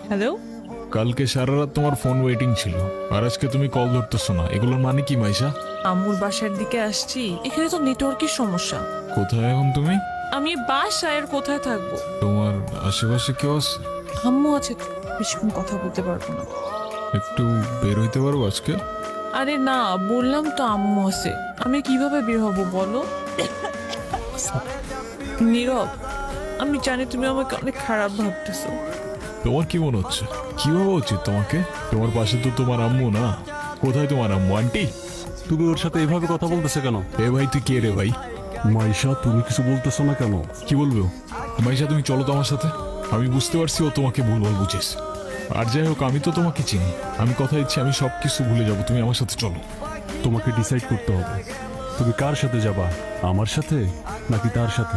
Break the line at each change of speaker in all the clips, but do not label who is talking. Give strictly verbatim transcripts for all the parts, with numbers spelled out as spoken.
Hello.
কালকে সারা রাত তোমার ফোন ওয়েটিং ছিল, আর আজকে তুমি কল ধরতেছো না, এগুলোর মানে কি মাইশা?
আম্মুর বাসার দিকে আসছি, এখানে তো নেটওয়ার্কের সমস্যা।
কোথায় এখন তুমি?
আমি বাসায় আর কোথায় থাকবো?
তোমার আশেপাশে কেউ আছে?
আম্মু আছে তো, বেশিক্ষণ কথা বলতে পারবো না।
একটু বের হইতে পারবো আজকে?
আরে না, বললাম তো আম্মু আছে, আমি কিভাবে বের হব বলো? নীরব, আমি জানি তুমি আমাকে অনেক খারাপ ভাবতেছো।
তোমার কি মনে হচ্ছে? কি ভাবা উচিত তোমাকে? তোমার পাশে তো তোমার আম্মু না। কোথায় তোমার আম্মু? আন্টি,
তুমি ওর সাথে এভাবে কথা বলতেছে কেন?
এ ভাই তুই কে রে ভাই?
মাইশা, তুমি কিছু বলতেছো না কেন?
কি বলবো? মাইশা তুমি চলো তো আমার সাথে। আমি বুঝতে পারছি ও তোমাকে ভুলভাল বুঝেছ। আর যাই হোক, আমি তো তোমাকে চিনি। আমি কথা দিচ্ছি আমি সব কিছু ভুলে যাবো, তুমি আমার সাথে চলো।
তোমাকে ডিসাইড করতে হবে, তুমি কার সাথে যাবা, আমার সাথে নাকি তার সাথে?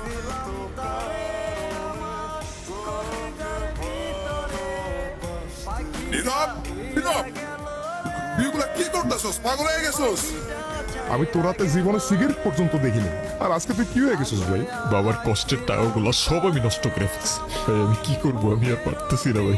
নীরব, নীরব, এগুলা কি করতেছস? পাগল হয়ে গেছস?
আমি তোর হাতে জীবনে সিগারেট পর্যন্ত দেখিনি, আর আজকে তুই কি হয়ে গেছিস ভাই?
বাবার কষ্টের টাকাগুলো সব আমি নষ্ট করে ফেলছি ভাই। আমি কি করবো? আমি আর পারতেছি না ভাই।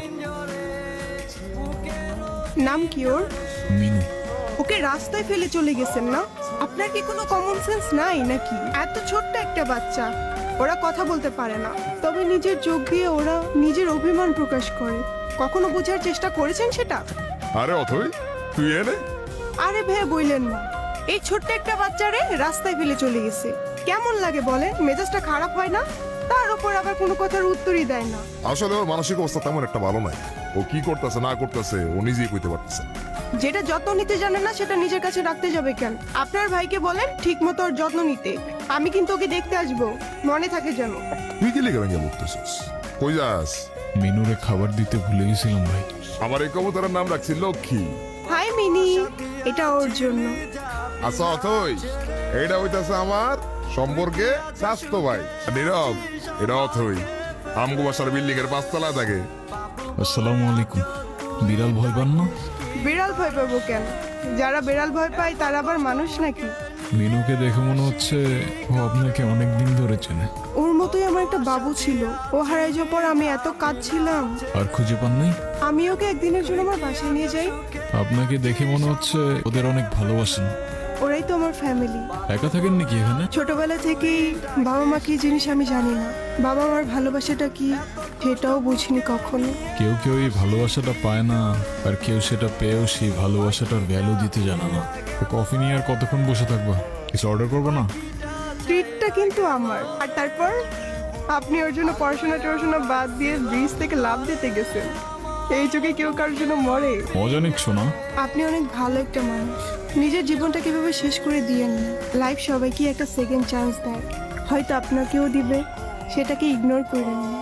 নাম কি ওর?
মিনু।
ওকে রাস্তায় ফেলে চলে গেছেন না? আপনার কি কোনো কমন সেন্স নাই নাকি? এত ছোট্ট একটা বাচ্চা, ওরা কথা বলতে পারে না, তবে নিজের চোখ দিয়ে ওরা নিজের অভিমান প্রকাশ করে। কখনো বোঝার চেষ্টা করেছেন সেটা?
আরে অথই, তুই এনে
আরে ভে বইলেন না, এই ছোট্ট একটা বাচ্চারে রাস্তায় ফেলে চলে গেছে। কেমন লাগে বলেন? মেজাজটা খারাপ হয় না? তার উপর আবার কোনো কথার উত্তরই দেয় না।
আসলে ওর মানসিক অবস্থা তেমন একটা ভালো নাই। ও কি করতেছে না করতেছে ও নিজেই কইতে পারতেছে না।
যেটা যত্ন নিতে জানে না সেটা নিজের কাছে রাখতে যাবে কেন? আপনার ভাইকে বলেন ঠিক মতো ওর যত্ন নিতে। আমি কিন্তু ওকে দেখতে আসবো, মনে থাকে যেন।
তুই কি লিখে ভেঙে বলতেছিস? কই যাস?
মিনুরে খাবার দিতে ভুলে গেছিলাম ভাই।
আমার এই কবুতরের নাম রাখছি লক্ষ্মী।
হাই মিনি, এটা ওর জন্য।
আচ্ছা অথই, এইটা হইতাছে আমার সম্পর্কে স্বাস্থ্য ভাই। আর নীরব, এটা অথই আমগো বাসার বিল্ডিং এর পাঁচতলা থাকে।
আসসালামু আলাইকুম। বিড়াল ভয় পান না?
বিড়াল ভয় পাবো কেন? যারা বিড়াল ভয় পায় তারা আবার মানুষ নাকি?
মিনুকে দেখে মনে হচ্ছে ও আপনাকে অনেক দিন ধরে চেনে।
ওর মতোই আমার একটা বাবু ছিল, ও হারাই যাওয়ার পর আমি এত কাঁদছিলাম।
আর খুঁজে পান নাই?
আমি ওকে একদিনের জন্য আমার বাসায় নিয়ে যাই।
আপনাকে দেখে মনে হচ্ছে ওদের অনেক ভালোবাসেন।
ওরাই তো আমার ফ্যামিলি।
একা থাকেন নাকি এখানে?
ছোটবেলা থেকেই বাবা মা কি জিনিস আমি জানি না, বাবা মার ভালোবাসাটা কি সেটাও বুঝিনি কখনো।
কেউ কেউ এই ভালোবাসাটা পায় না, আর কেউ সেটা পেয়েও সেই ভালোবাসাটার ভ্যালু দিতে জানে না। তো কফি নিয়ে আর কতক্ষণ বসে থাকবা? কিছু অর্ডার করবো না?
ট্রিটটা কিন্তু আমার। আর তারপর আপনি ওর জন্য পড়াশোনা টড়াশোনা বাদ দিয়ে ব্রিজ থেকে লাভ দিতে গেছেন। এই যুগে কেউ কারোর জন্য মরে?
মজা নিচ্ছ না?
আপনি অনেক ভালো একটা মানুষ। নিজের জীবনটা কিভাবে শেষ করে দিয়েন না। লাইফ সবাইকে একটা সেকেন্ড চান্স দেয়, হয়তো আপনাকেও দিবে, সেটাকে ইগনোর করেন না।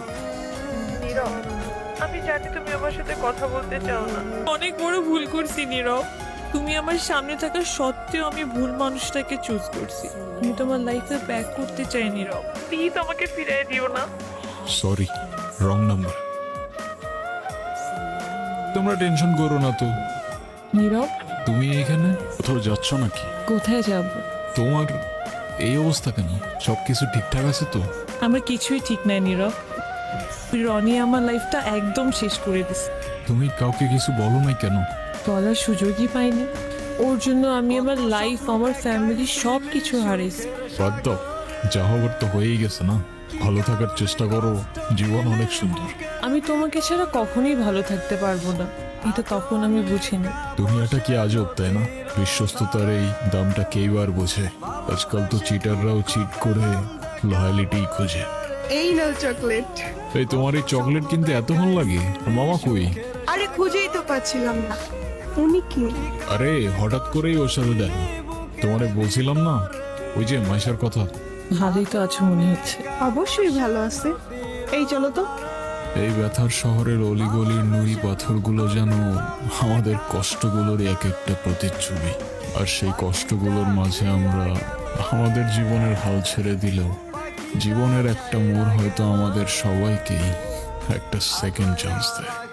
আমি জানি তুমি আমার সাথে কথা বলতে চাও না। অনেক বড় ভুল করছি নীরব। তুমি আমার সামনে থাকা সত্ত্বেও আমি ভুল মানুষটাকে চুজ করছি। আমি তোমার লাইফে ব্যাক করতে চাই নীরব, প্লিজ আমাকে ফিরিয়ে দিও না।
Sorry, wrong number. তোমরা টেনশন করো না তো।
নীরব,
তুমি এখানে
কোথাও যাচ্ছ নাকি?
কোথায় যাব?
তোমার এই অবস্থা কেন? সবকিছু ঠিকঠাক আছে তো?
আমার কিছুই ঠিক নাই নীরব। রনি আমার লাইফটা একদম শেষ করে দিছে।
তুমি কাউকে কিছু বলো নাই কেন?
বলার সুযোগই পাইনি। ওর জন্য আমি আমার লাইফ, আমার ফ্যামিলি সব কিছু হারিয়েছি।
বাদ দাও, যা হবার তো হয়েই গেছে না। ভালো থাকার চেষ্টা করো, জীবন অনেক সুন্দর।
আমি তোমাকে ছাড়া কখনোই ভালো থাকতে পারবো না, এটা তখন আমি বুঝিনি।
দুনিয়াটা কি আজব, তাই না? বিশ্বস্ততার এই দামটা কেইবার বোঝে। আজকাল তো চিটাররাও চিট করে লয়ালিটি খোঁজে।
এই নাও চকলেট।
এই তোমার এই চকলেট কিনতে এত ভালো লাগে? আর মামা কই?
আরে খুঁজেই তো পাচ্ছিলাম না। উনি কি?
আরে হঠাৎ করেই ওর সাথে দেন। তোমারে বলছিলাম না ওই যে মাইশার কথা।
ভালোই তো আছো মনে হচ্ছে।
অবশ্যই ভালো আছে। এই চলো তো।
এই ব্যথার শহরের অলিগলির নুড়ি পাথরগুলো যেন আমাদের কষ্টগুলোর এক একটা প্রতিচ্ছবি। আর সেই কষ্টগুলোর মাঝে আমরা আমাদের জীবনের হাল ছেড়ে দিলেও জীবনের একটা মোড় হয়তো আমাদের সবাইকেই একটা সেকেন্ড চান্স দেয়।